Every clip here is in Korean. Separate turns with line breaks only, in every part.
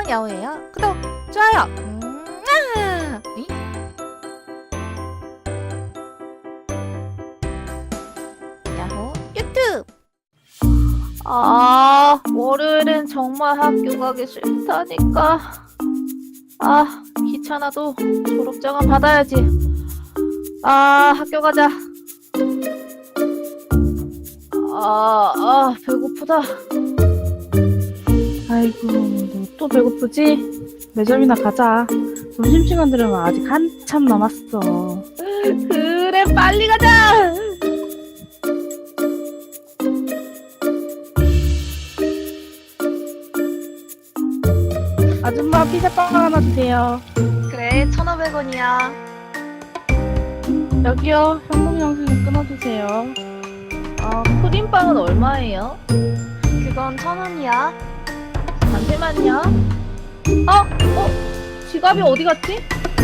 야호예요. 구독, 좋아요. 응? 야호 유튜브. 월요일엔 정말 학교 가기 싫다니까. 귀찮아도 졸업장은 받아야지. 학교 가자. 배고프다.
아이고, 너 또 배고프지? 매점이나 가자. 점심시간 들으면 아직 한참 남았어.
그래, 빨리 가자.
아줌마 피자빵 하나 주세요.
그래, 1,500원이야.
여기요, 현금 영수증 끊어주세요.
크림빵은 얼마예요? 그건 1,000원이야. 잠시만요. 지갑이 어디 갔지?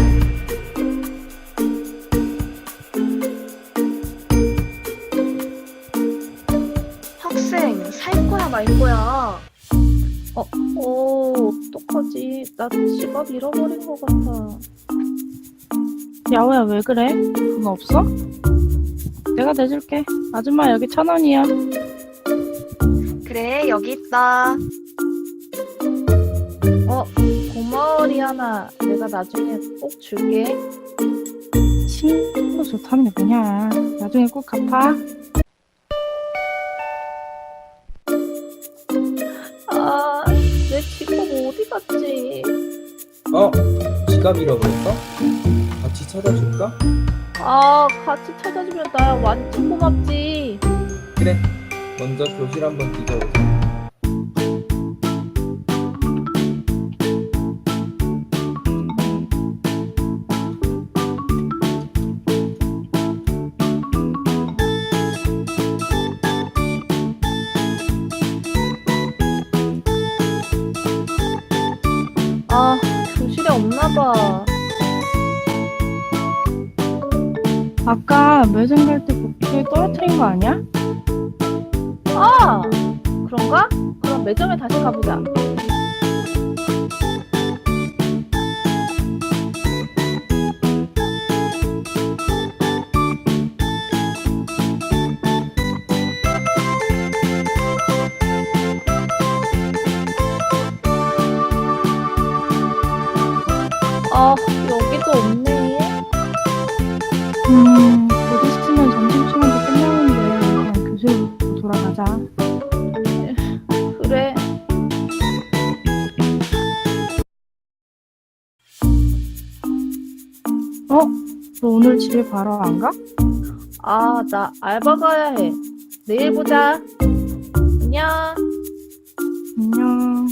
학생, 살 거야, 말 거야? 어떡하지? 나 지갑 잃어버린 것 같아.
야호야, 왜 그래? 돈 없어? 내가 내줄게. 아줌마, 여기 1,000원이야.
그래, 여기 있다. 고마워, 리아나. 내가 나중에 꼭 줄게.
친구 좋다는 게 뭐냐. 나중에 꼭 갚아.
내 지갑 어디 갔지?
지갑 잃어버렸어? 같이 찾아줄까?
같이 찾아주면 나 완전 고맙지.
그래, 먼저 교실 한번 뒤져보자.
교실에 없나봐.
아까 매점 갈 때 복도에 떨어뜨린 거 아니야?
그런가? 그럼 매점에 다시 가보자. 여기도 없네.
곧 있으면 점심시간도 끝나는데 그냥 교실로 돌아가자.
그래.
너 오늘 집에 바로 안 가?
나 알바 가야 해. 내일 보자. 안녕.
안녕.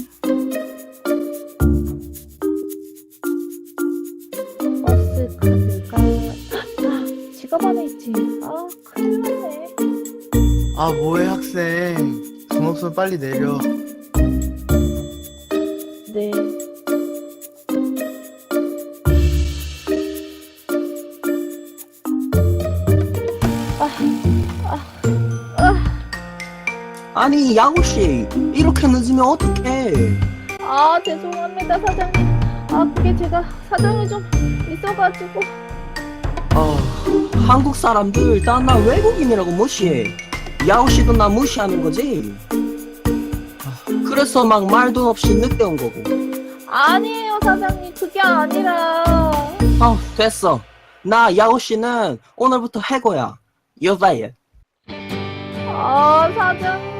버스 카드가 지갑 안에 있지. 큰일 났네.
뭐해 학생, 돈 없으면 빨리 내려.
네.
아니 야구씨 이렇게 늦으면 어떡해.
죄송합니다, 사장님. 그게 제가 사정이 좀 있어가지고.
한국 사람들 다 나 외국인이라고 무시해. 야구씨도 나 무시하는 거지. 그래서 막 말도 없이 늦게 온 거고.
아니에요, 사장님. 그게 아니라.
됐어. 나 야구씨는 오늘부터 해고야. You're fired.
사장님.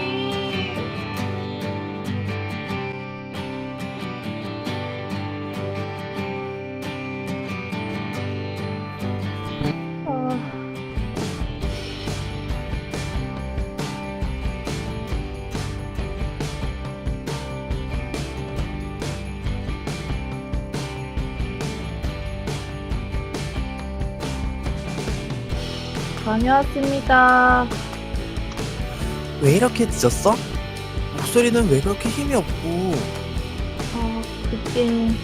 다녀왔습니다.
왜 이렇게 늦었어? 목소리는 왜 그렇게 힘이 없고?
그게...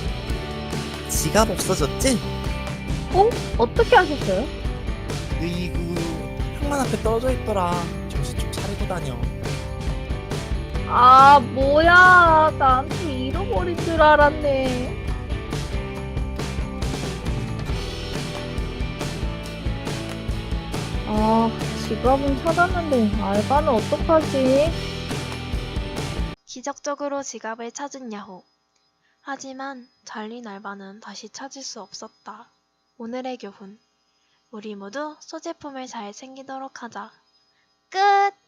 지갑 없어졌지?
어떻게 하셨어요?
으이구, 현관 앞에 떨어져 있더라. 정신 좀 차리고 다녀.
뭐야. 나한테 잃어버린 줄 알았네. 아, 지갑은 찾았는데 알바는 어떡하지?
기적적으로 지갑을 찾은 야호. 하지만 잘린 알바는 다시 찾을 수 없었다. 오늘의 교훈. 우리 모두 소지품을 잘 챙기도록 하자. 끝!